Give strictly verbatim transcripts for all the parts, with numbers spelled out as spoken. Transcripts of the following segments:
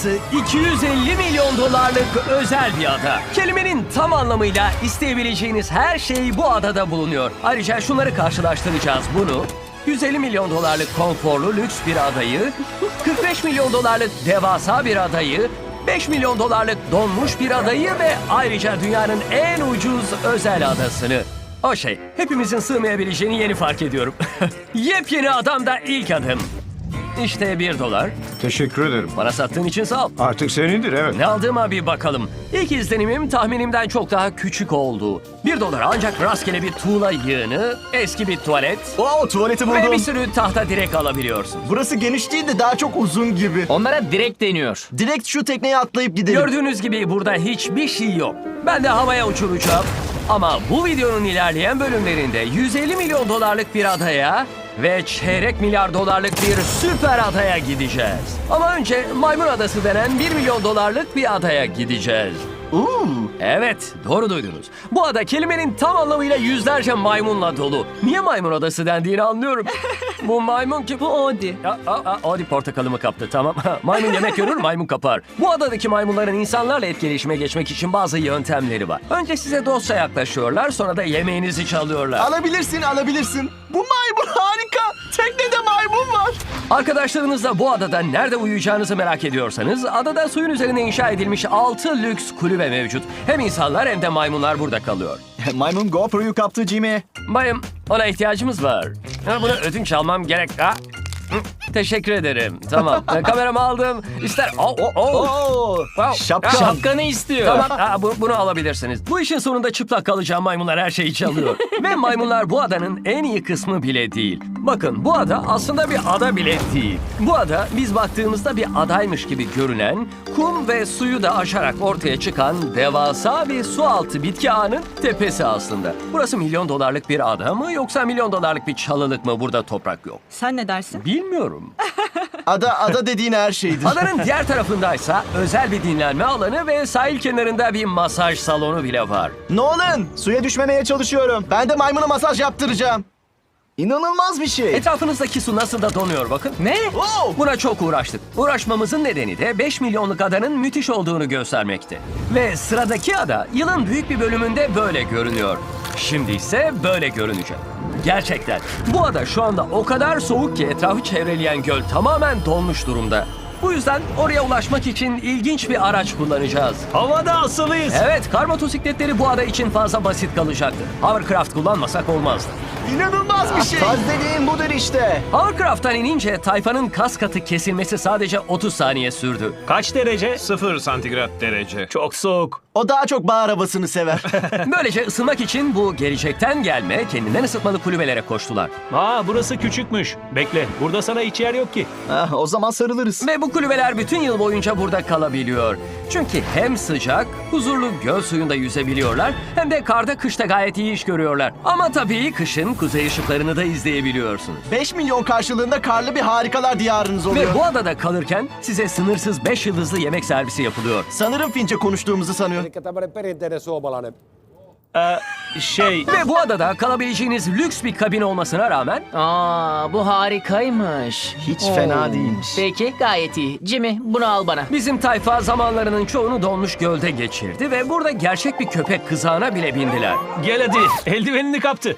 Adası iki yüz elli milyon dolarlık özel bir ada. Kelimenin tam anlamıyla isteyebileceğiniz her şey bu adada bulunuyor. Ayrıca şunları karşılaştıracağız bunu. yüz elli milyon dolarlık konforlu lüks bir adayı, kırk beş milyon dolarlık devasa bir adayı, beş milyon dolarlık donmuş bir adayı ve ayrıca dünyanın en ucuz özel adasını. O şey, hepimizin sığmayabileceğini yeni fark ediyorum. Yepyeni adamda ilk adım. İşte bir dolar. Teşekkür ederim. Bana sattığın için sağ ol. Artık senindir, evet. Ne aldığıma bir bakalım. İlk izlenimim tahminimden çok daha küçük oldu. Bir dolar ancak rastgele bir tuğla yığını, eski bir tuvalet Wow, tuvaleti ve bir buldum. sürü tahta direk alabiliyorsun. Burası geniş değil de daha çok uzun gibi. Onlara direkt deniyor. Direkt şu tekneye atlayıp gidelim. Gördüğünüz gibi burada hiçbir şey yok. Ben de havaya uçuracağım. Ama bu videonun ilerleyen bölümlerinde yüz elli milyon dolarlık bir adaya ve çeyrek milyar dolarlık bir süper adaya gideceğiz. Ama önce Maymun Adası denen bir milyon dolarlık bir adaya gideceğiz. Uuu. Evet, doğru duydunuz. Bu ada kelimenin tam anlamıyla yüzlerce maymunla dolu. Niye Maymun Adası dendiğini anlıyorum. Bu maymun ki... Bu Odi. Aa, aa, Odi portakalımı kaptı, tamam. Maymun yemek görür, maymun kapar. Bu adadaki maymunların insanlarla etkileşime geçmek için bazı yöntemleri var. Önce size dostça yaklaşıyorlar, sonra da yemeğinizi çalıyorlar. Alabilirsin, alabilirsin. Bu maymun harika. Teknede maymun var. Arkadaşlarınızla bu adada nerede uyuyacağınızı merak ediyorsanız, adada suyun üzerine inşa edilmiş altı lüks kulübe mevcut. Hem insanlar hem de maymunlar burada kalıyor. Maymun GoPro'yu kaptı Jimmy. Bayım, ona ihtiyacımız var. Ha, bunu ödünç almam gerek. Ha? Hı, teşekkür ederim. Tamam. E, kameramı aldım. İster... Oh, oh, oh. Oo. Wow. Şapka. Şapkanı istiyor. Tamam, ha, bu- bunu alabilirsiniz. Bu işin sonunda çıplak kalacağım maymunlar her şeyi çalıyor. Ve maymunlar bu adanın en iyi kısmı bile değil. Bakın, bu ada aslında bir ada bile değil. Bu ada biz baktığımızda bir adaymış gibi görünen, kum ve suyu da aşarak ortaya çıkan devasa bir su altı bitki ağının tepesi aslında. Burası milyon dolarlık bir ada mı yoksa milyon dolarlık bir çalılık mı, burada toprak yok? Sen ne dersin? Bilmiyorum. Ada, ada dediğin her şeydir. Adanın diğer tarafındaysa özel bir dinlenme alanı ve sahil kenarında bir masaj salonu bile var. Nolan, suya düşmemeye çalışıyorum. Ben de maymuna masaj yaptıracağım. İnanılmaz bir şey. Etrafınızdaki su nasıl da donuyor bakın. Ne? Wow. Buna çok uğraştık. Uğraşmamızın nedeni de beş milyonluk adanın müthiş olduğunu göstermekte. Ve sıradaki ada yılın büyük bir bölümünde böyle görünüyor. Şimdi ise böyle görünecek. Gerçekten. Bu ada şu anda o kadar soğuk ki etrafı çevreleyen göl tamamen donmuş durumda. Bu yüzden oraya ulaşmak için ilginç bir araç kullanacağız. Havada asılıyız. Evet, kar motosikletleri bu ada için fazla basit kalacaktı. Hovercraft kullanmasak olmazdı. İnanılmaz bir şey. Faz dediğin budur işte. Hovercraft'tan inince tayfanın kas katı kesilmesi sadece otuz saniye sürdü. Kaç derece? Sıfır santigrat derece. Çok soğuk. O daha çok bağ arabasını sever. Böylece ısınmak için bu gelecekten gelme, kendinden ısıtmalı kulübelere koştular. Aa, burası küçükmüş. Bekle, burada sana hiç yer yok ki. ah, o zaman sarılırız. Ve bu kulübeler bütün yıl boyunca burada kalabiliyor. Çünkü hem sıcak, huzurlu göl suyunda yüzebiliyorlar, hem de karda kışta gayet iyi iş görüyorlar. Ama tabii kışın kuzey ışıklarını da izleyebiliyorsunuz. beş milyon karşılığında karlı bir harikalar diyarınız oluyor. Ve bu adada kalırken size sınırsız beş yıldızlı yemek servisi yapılıyor. Sanırım Fince konuştuğumuzu sanıyor. Eli tämmöinen perinteinen suomalainen. Ee, şey... Ve bu adada kalabileceğiniz lüks bir kabin olmasına rağmen Aa, bu harikaymış. Hiç fena değilmiş. Peki, gayet iyi. Jimmy, bunu al bana. bizim tayfa zamanlarının çoğunu donmuş gölde geçirdi ve burada gerçek bir köpek kızağına bile bindiler. Gel hadi, eldivenini kaptı.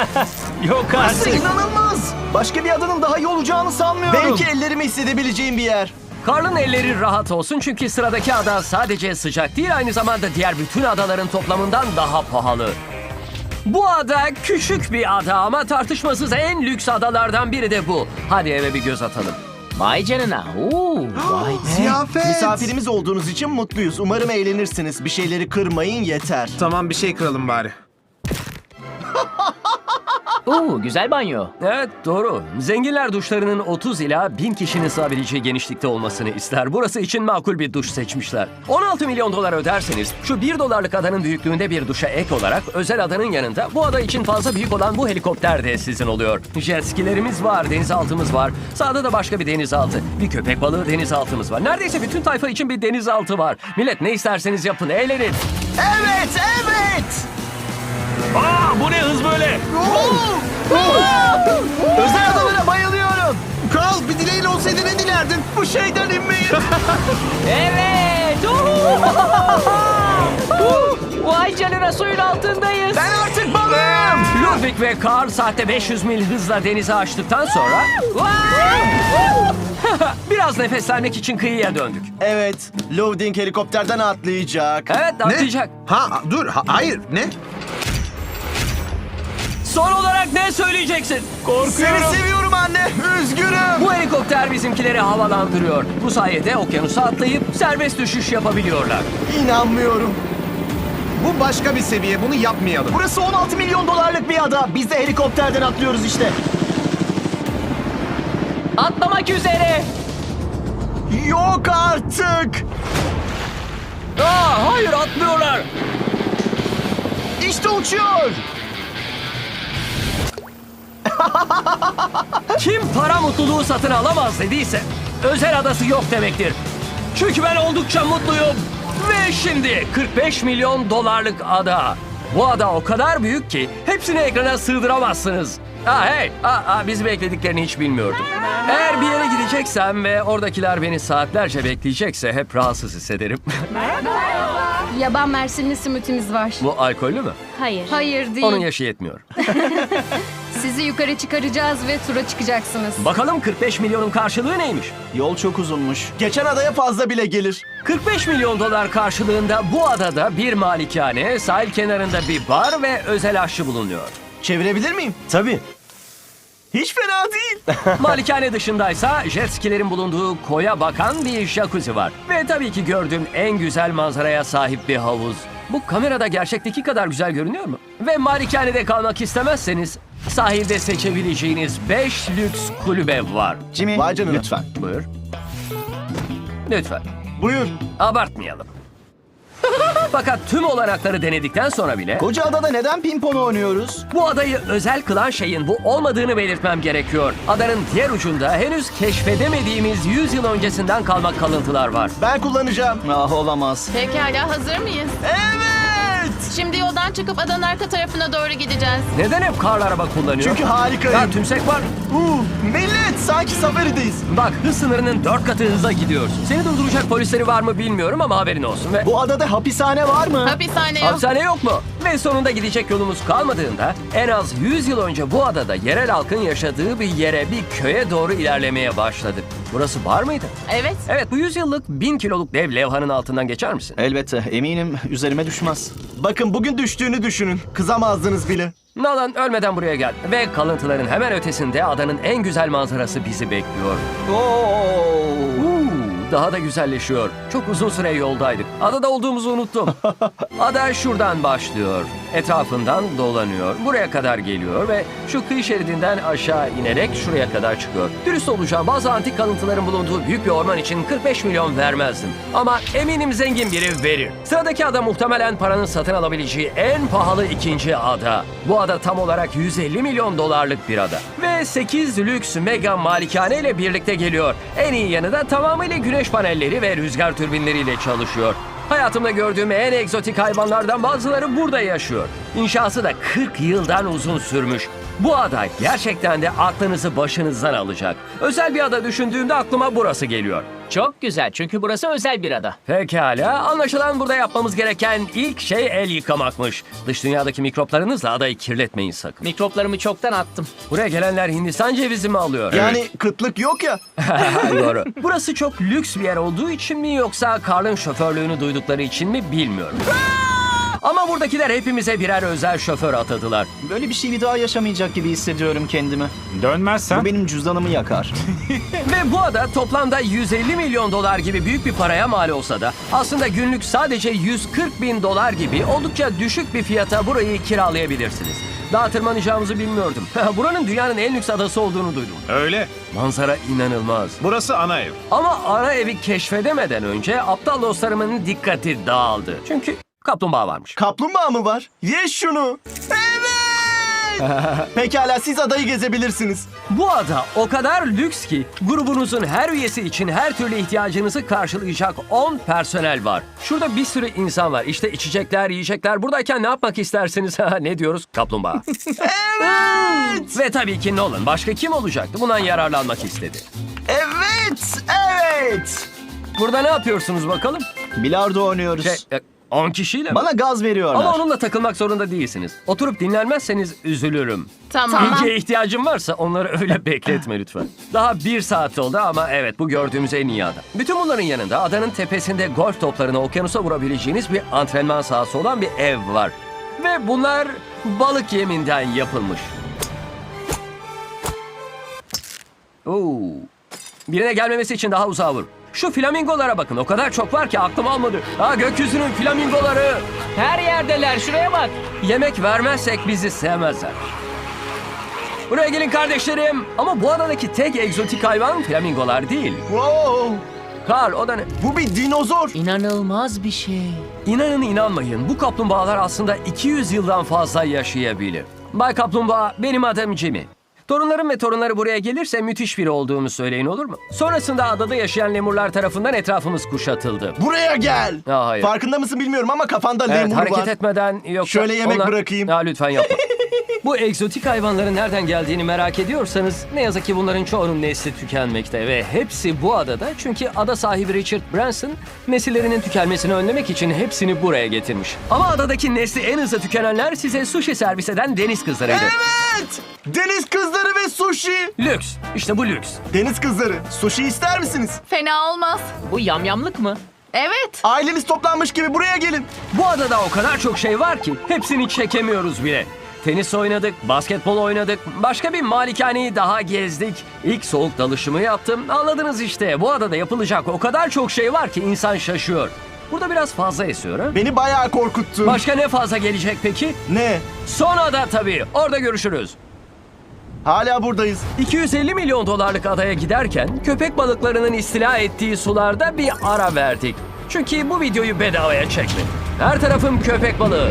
Yok Burası artık. inanılmaz. Başka bir adanın daha iyi olacağını sanmıyorum. Belki ellerimi hissedebileceğim bir yer. Karl'ın elleri rahat olsun çünkü sıradaki ada sadece sıcak değil, aynı zamanda diğer bütün adaların toplamından daha pahalı. Bu ada küçük bir ada ama tartışmasız en lüks adalardan biri de bu. Hadi eve bir göz atalım. Vay canına. Oo, vay be. Ziyafet. Misafirimiz olduğunuz için mutluyuz. Umarım eğlenirsiniz. Bir şeyleri kırmayın yeter. Tamam, bir şey kıralım bari. Oo, güzel banyo. Evet, doğru. Zenginler duşlarının otuz ila bin kişinin sığabileceği genişlikte olmasını ister. Burası için makul bir duş seçmişler. on altı milyon dolar öderseniz şu bir dolarlık adanın büyüklüğünde bir duşa ek olarak özel adanın yanında bu ada için fazla büyük olan bu helikopter de sizin oluyor. Jet skilerimiz var, denizaltımız var. Sağda da başka bir denizaltı. Bir köpek balığı denizaltımız var. Neredeyse bütün tayfa için bir denizaltı var. Millet, ne isterseniz yapın, eğlenin. Evet, evet. Aa, bu ne hız böyle? Özel adalara bayılıyorum. Carl, bir dileğin olsaydı ne dilerdin? Bu şeyden inmeyi. Evet. Uhu! Vay canına, suyun altındayız. Ben artık balığım. Ludwig ve Carl saatte beş yüz mil hızla denize açtıktan sonra biraz nefeslenmek için kıyıya döndük. Evet, Loading helikopterden atlayacak. Evet, atlayacak. Ha dur ha- hayır ne? Son olarak ne söyleyeceksin? Seni seviyorum anne. Üzgünüm. Bu helikopter bizimkileri havalandırıyor. Bu sayede okyanusa atlayıp serbest düşüş yapabiliyorlar. İnanmıyorum. Bu başka bir seviye, bunu yapmayalım. Burası on altı milyon dolarlık bir ada. Biz de helikopterden atlıyoruz işte. Atlamak üzere. Yok artık. Aa, hayır, atlıyorlar. İşte uçuyor. Kim para mutluluğu satın alamaz dediyse özel adası yok demektir. Çünkü ben oldukça mutluyum. Ve şimdi kırk beş milyon dolarlık ada. Bu ada o kadar büyük ki hepsini ekrana sığdıramazsınız. Aa, hey, aa, aa, bizi beklediklerini hiç bilmiyordum. Eğer bir yere gideceksem ve oradakiler beni saatlerce bekleyecekse hep rahatsız hissederim. Yaban mersinli simitimiz var. Bu alkollü mü? Hayır. Hayır değil. Onun yaşı yetmiyor. Sizi yukarı çıkaracağız ve tura çıkacaksınız. Bakalım kırk beş milyonun karşılığı neymiş? Yol çok uzunmuş. Geçen adaya fazla bile gelir. kırk beş milyon dolar karşılığında bu adada bir malikane, sahil kenarında bir bar ve özel aşçı bulunuyor. Çevirebilir miyim? Tabii. Hiç fena değil. Malikane dışındaysa jet skilerin bulunduğu koya bakan bir jacuzzi var. Ve tabii ki gördüğüm en güzel manzaraya sahip bir havuz. Bu kamerada gerçekteki kadar güzel görünüyor mu? Ve malikanede kalmak istemezseniz sahilde seçebileceğiniz beş lüks kulübe var. Jimmy, Vay canına. lütfen. Buyur. Lütfen. Buyur. Abartmayalım. Fakat tüm olanakları denedikten sonra bile Koca adada neden pimpon oynuyoruz? bu adayı özel kılan şeyin bu olmadığını belirtmem gerekiyor. Adanın diğer ucunda henüz keşfedemediğimiz yüz yıl öncesinden kalma kalıntılar var. Ben kullanacağım. Ah olamaz. Pekala, hazır mıyız? Evet. Şimdi yoldan çıkıp adanın arka tarafına doğru gideceğiz. Neden hep karlı araba kullanıyor? Çünkü harikayım. Ha, tümsek var. Uh, millet sanki safarideyiz. Bak, hız sınırının dört katı hızla gidiyorsun. Seni durduracak polisleri var mı bilmiyorum ama haberin olsun. Ve Bu adada hapishane var mı? Hapishane yok. hapishane yok mu? Ve sonunda gidecek yolumuz kalmadığında en az yüz yıl önce bu adada yerel halkın yaşadığı bir yere, bir köye doğru ilerlemeye başladık. Burası bar mıydı? Evet. Evet, bu yüz yıllık bin kiloluk dev levhanın altından geçer misin? Elbette. Eminim üzerime düşmez. Bakın bugün düştüğünü düşünün. Kızamazdınız bile. Nalan, ölmeden buraya gel. Ve kalıntıların hemen ötesinde adanın en güzel manzarası bizi bekliyor. Uuu, daha da güzelleşiyor. Çok uzun süre yoldaydık. Adada olduğumuzu unuttum. Ada şuradan başlıyor. Etrafından dolanıyor. Buraya kadar geliyor ve şu kıyı şeridinden aşağı inerek şuraya kadar çıkıyor. Dürüst olacağım, bazı antik kalıntıların bulunduğu büyük bir orman için kırk beş milyon vermezdim. Ama eminim zengin biri verir. Sıradaki ada muhtemelen paranın satın alabileceği en pahalı ikinci ada. Bu ada tam olarak yüz elli milyon dolarlık bir ada. Ve sekiz lüks mega malikane ile birlikte geliyor. En iyi yanı da tamamıyla güneş panelleri ve rüzgar türbinleriyle çalışıyor. Hayatımda gördüğüm en egzotik hayvanlardan bazıları burada yaşıyor. İnşası da kırk yıldan uzun sürmüş. Bu ada gerçekten de aklınızı başınızdan alacak. Özel bir ada düşündüğümde aklıma burası geliyor. Çok güzel, çünkü burası özel bir ada. Pekala, anlaşılan burada yapmamız gereken ilk şey el yıkamakmış. Dış dünyadaki mikroplarınızla adayı kirletmeyin sakın. Mikroplarımı çoktan attım. Buraya gelenler Hindistan cevizi mi alıyor? Yani kıtlık yok ya. Doğru. Burası çok lüks bir yer olduğu için mi yoksa Carl'ın şoförlüğünü duydukları için mi bilmiyorum. Ama buradakiler hepimize birer özel şoför atadılar. Böyle bir şey bir daha yaşamayacak gibi hissediyorum kendimi. Dönmezsen Bu benim cüzdanımı yakar. Ve bu ada toplamda yüz elli milyon dolar gibi büyük bir paraya mal olsa da aslında günlük sadece yüz kırk bin dolar gibi oldukça düşük bir fiyata burayı kiralayabilirsiniz. Daha tırmanacağımızı bilmiyordum. Buranın dünyanın en lüks adası olduğunu duydum. Öyle. Manzara inanılmaz. Burası ana ev. Ama ana evi keşfedemeden önce aptal dostlarımın dikkati dağıldı. Çünkü kaplumbağa varmış. Kaplumbağa mı var? Ye şunu. Evet. Pekala siz adayı gezebilirsiniz. Bu ada o kadar lüks ki grubunuzun her üyesi için her türlü ihtiyacınızı karşılayacak on personel var. Şurada bir sürü insan var. İşte içecekler, yiyecekler. Buradayken ne yapmak istersiniz? Ne diyoruz? Kaplumbağa. Evet. Ve tabii ki Nolan. Başka kim olacaktı? Bundan yararlanmak istedi. Evet. Evet. Burada ne yapıyorsunuz bakalım? Bilardo oynuyoruz. Şey, e, on kişiyle mi? Bana gaz veriyorlar. Ama onunla takılmak zorunda değilsiniz. Oturup dinlenmezseniz üzülürüm. Tamam. İlgiye ihtiyacım varsa onları öyle bekletme lütfen. Daha bir saat oldu ama evet bu gördüğümüz en iyi ada. Bütün bunların yanında adanın tepesinde golf toplarını okyanusa vurabileceğiniz bir antrenman sahası olan bir ev var. Ve bunlar balık yeminden yapılmış. Oo. Birine gelmemesi için daha uzağa vur. Şu flamingolara bakın. O kadar çok var ki aklım almadı. Ha gökyüzünün flamingoları. Her yerdeler, şuraya bak. Yemek vermezsek bizi sevmezler. Buraya gelin kardeşlerim. Ama bu adadaki tek egzotik hayvan flamingolar değil. Wow. Karl o da ne? Bu bir dinozor. İnanılmaz bir şey. İnanın inanmayın bu kaplumbağalar aslında iki yüz yıldan fazla yaşayabilir. Bay Kaplumbağa benim adım Jimmy. Torunlarım ve torunları buraya gelirse müthiş biri olduğumu söyleyin olur mu? Sonrasında adada yaşayan lemurlar tarafından etrafımız kuşatıldı. Buraya gel. Ha, hayır. Farkında mısın bilmiyorum ama kafanda Evet, lemur hareket var. etmeden yok. Şöyle yemek bırakayım. Ha, lütfen yapma. Bu egzotik hayvanların nereden geldiğini merak ediyorsanız ne yazık ki bunların çoğunun nesli tükenmekte ve hepsi bu adada çünkü ada sahibi Richard Branson nesillerinin tükenmesini önlemek için hepsini buraya getirmiş. Ama adadaki nesli en hızlı tükenenler size sushi servis eden deniz kızlarıydı. Evet. Deniz kızları ve sushi. Lüks. İşte bu lüks. Deniz kızları. Sushi ister misiniz? Fena olmaz. Bu yamyamlık mı? Evet. Aileniz toplanmış gibi buraya gelin. Bu adada o kadar çok şey var ki hepsini çekemiyoruz bile. Tenis oynadık, basketbol oynadık, başka bir malikaneyi daha gezdik. İlk soğuk dalışımı yaptım. Anladınız işte bu adada yapılacak o kadar çok şey var ki insan şaşıyor. Burada biraz fazla esiyor ha? Beni bayağı korkuttun. Başka ne fazla gelecek peki? Ne? Son ada tabii. Orada görüşürüz. Hala buradayız. iki yüz elli milyon dolarlık adaya giderken köpek balıklarının istila ettiği sularda bir ara verdik. Çünkü bu videoyu bedavaya çektim. Her tarafım köpek balığı.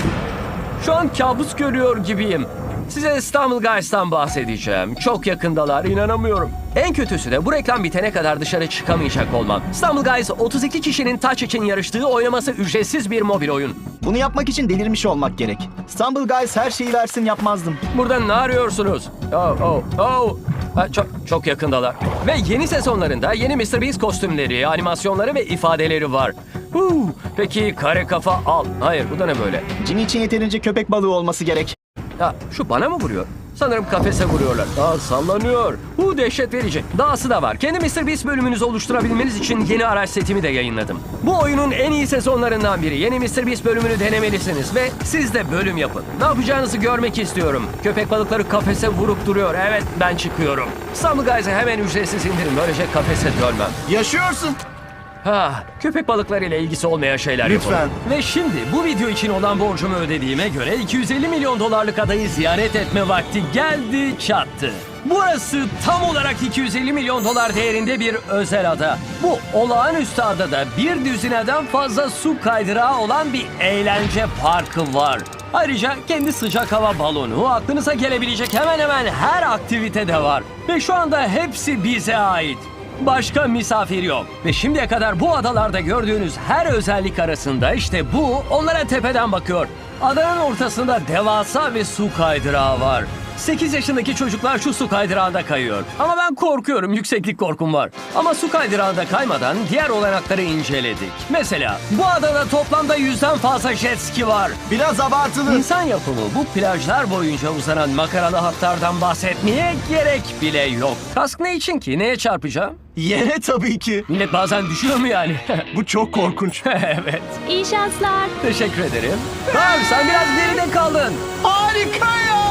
Şu an kabus görüyor gibiyim. Size İstanbul Guys'tan bahsedeceğim. Çok yakındalar, inanamıyorum. En kötüsü de bu reklam bitene kadar dışarı çıkamayacak olmam. İstanbul Guys otuz iki kişinin taç için yarıştığı oynaması ücretsiz bir mobil oyun. Bunu yapmak için delirmiş olmak gerek. İstanbul Guys her şeyi versin yapmazdım. Burada ne arıyorsunuz? Oh, oh, oh. Ha, çok, çok yakındalar. Ve yeni sezonlarında yeni mister Beast kostümleri, animasyonları ve ifadeleri var. Huu, peki kare kafa al. Hayır bu da ne böyle? Jimmy için yeterince köpek balığı olması gerek. Ya şu bana mı vuruyor? Sanırım kafese vuruyorlar. Aa sallanıyor. Bu dehşet verici. Dahası da var. Kendi mister Beast bölümünüzü oluşturabilmeniz için yeni araç setimi de yayınladım. Bu oyunun en iyi sezonlarından biri. Yeni mister Beast bölümünü denemelisiniz ve siz de bölüm yapın. Ne yapacağınızı görmek istiyorum. Köpek balıkları kafese vurup duruyor. Evet ben çıkıyorum. İstanbul Guys'ı hemen ücretsiz indirin. Böylece kafese dönmem. Yaşıyorsun. Ha, köpek balıklarıyla ilgisi olmayan şeyler Lütfen. yapalım. Ve şimdi bu video için olan borcumu ödediğime göre iki yüz elli milyon dolarlık adayı ziyaret etme vakti geldi çattı. Burası tam olarak iki yüz elli milyon dolar değerinde bir özel ada. Bu olağanüstü adada bir düzineden fazla su kaydırağı olan bir eğlence parkı var. Ayrıca kendi sıcak hava balonu, aklınıza gelebilecek hemen hemen her aktivite de var. Ve şu anda hepsi bize ait. Başka misafir yok. Ve şimdiye kadar bu adalarda gördüğünüz her özellik arasında işte bu onlara tepeden bakıyor. Adanın ortasında devasa bir su kaydırağı var. sekiz yaşındaki çocuklar şu su kaydırağında kayıyor. Ama ben korkuyorum, yükseklik korkum var. Ama su kaydırağında kaymadan diğer olanakları inceledik. Mesela bu adada toplamda yüzden fazla jet ski var. Biraz abartılı. İnsan yapımı bu plajlar boyunca uzanan makaralı hatlardan bahsetmeye gerek bile yok. Kask ne için ki? Neye çarpacağım? Yere tabii ki. Millet bazen düşüyor mu yani? Bu çok korkunç. Evet. İyi şanslar. Teşekkür ederim. Karl sen biraz geride kaldın. Harika ya.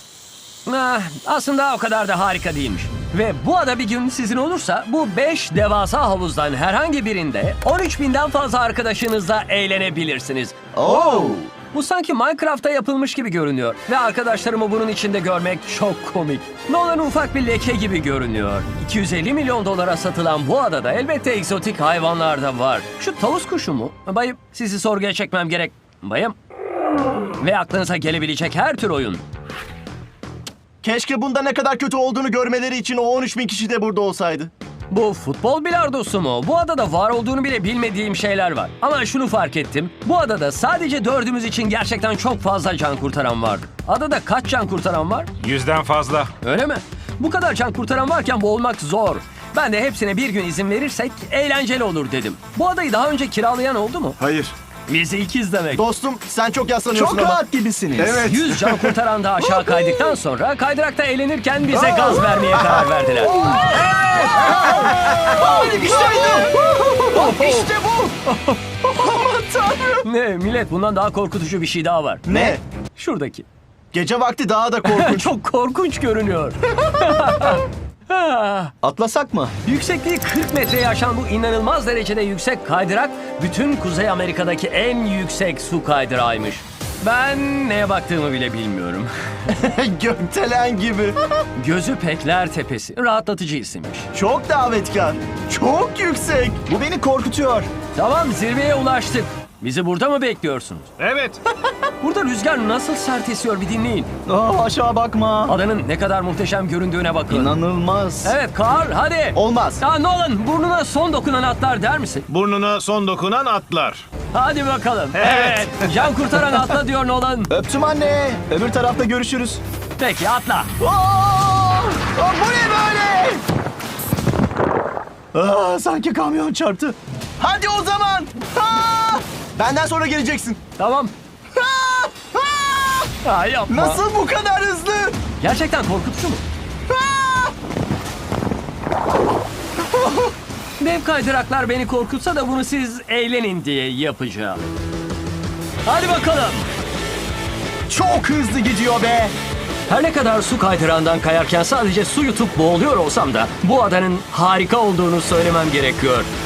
Ah, aslında o kadar da harika değilmiş. Ve bu ada bir gün sizin olursa bu beş devasa havuzdan herhangi birinde on üç binden fazla arkadaşınızla eğlenebilirsiniz. Oo. Bu sanki Minecraft'ta yapılmış gibi görünüyor. Ve arkadaşlarımı bunun içinde görmek çok komik. Nolan ufak bir leke gibi görünüyor. iki yüz elli milyon dolara satılan bu adada elbette egzotik hayvanlar da var. Şu tavus kuşu mu? Bayım sizi sorguya çekmem gerek. Bayım. Ve aklınıza gelebilecek her tür oyun. Keşke bunda ne kadar kötü olduğunu görmeleri için o on üç bin kişi de burada olsaydı. Bu futbol bilardosu mu? Bu adada var olduğunu bile bilmediğim şeyler var. Ama şunu fark ettim. Bu adada sadece dördümüz için gerçekten çok fazla can kurtaran vardı. Adada kaç can kurtaran var? Yüzden fazla. Öyle mi? Bu kadar can kurtaran varken boğulmak zor. Ben de hepsine bir gün izin verirsek eğlenceli olur dedim. Bu adayı daha önce kiralayan oldu mu? Hayır. Biz ikiz demek. Dostum sen çok yaslanıyorsun Çok ama. rahat gibisiniz. Evet. yüz can kurtaran da aşağı kaydıktan sonra kaydırakta eğlenirken bize gaz vermeye karar verdiler. İşte bu. Aman tanrım. Ne millet, bundan daha korkutucu bir şey daha var. Ne? Şuradaki. Gece vakti daha da korkunç. Çok korkunç görünüyor. Atlasak mı? Yüksekliği kırk metreyi aşan bu inanılmaz derecede yüksek kaydırak bütün Kuzey Amerika'daki en yüksek su kaydırağıymış. Ben neye baktığımı bile bilmiyorum. Gökdelen gibi. Gözü Pekler Tepesi. Rahatlatıcı isimmiş. Çok davetkar. Çok yüksek. Bu beni korkutuyor. Tamam, zirveye ulaştık. Bizi burada mı bekliyorsunuz? Evet. Burada rüzgar nasıl sert esiyor bir dinleyin. Aa, aşağı bakma. Adanın ne kadar muhteşem göründüğüne bakın. İnanılmaz. Evet Carl, hadi. Olmaz. Ya Nolan, burnuna son dokunan atlar der misin? Burnuna son dokunan atlar. Hadi bakalım. Evet. Can kurtaran atla diyor Nolan. Öptüm anne. Öbür tarafta görüşürüz. Peki atla. Aa! Aa, bu ne böyle? Aa, sanki kamyon çarptı. Hadi o zaman. Aa! Benden sonra geleceksin. Tamam. Aa! Aa! Ha, yapma. Nasıl bu kadar hızlı? Gerçekten korkutucu mu? Aa! Dev kaydıraklar beni korkutsa da bunu siz eğlenin diye yapacağım. Hadi bakalım. Çok hızlı gidiyor be. Her ne kadar su kaydırağından kayarken sadece su yutup boğuluyor olsam da bu adanın harika olduğunu söylemem gerekiyor.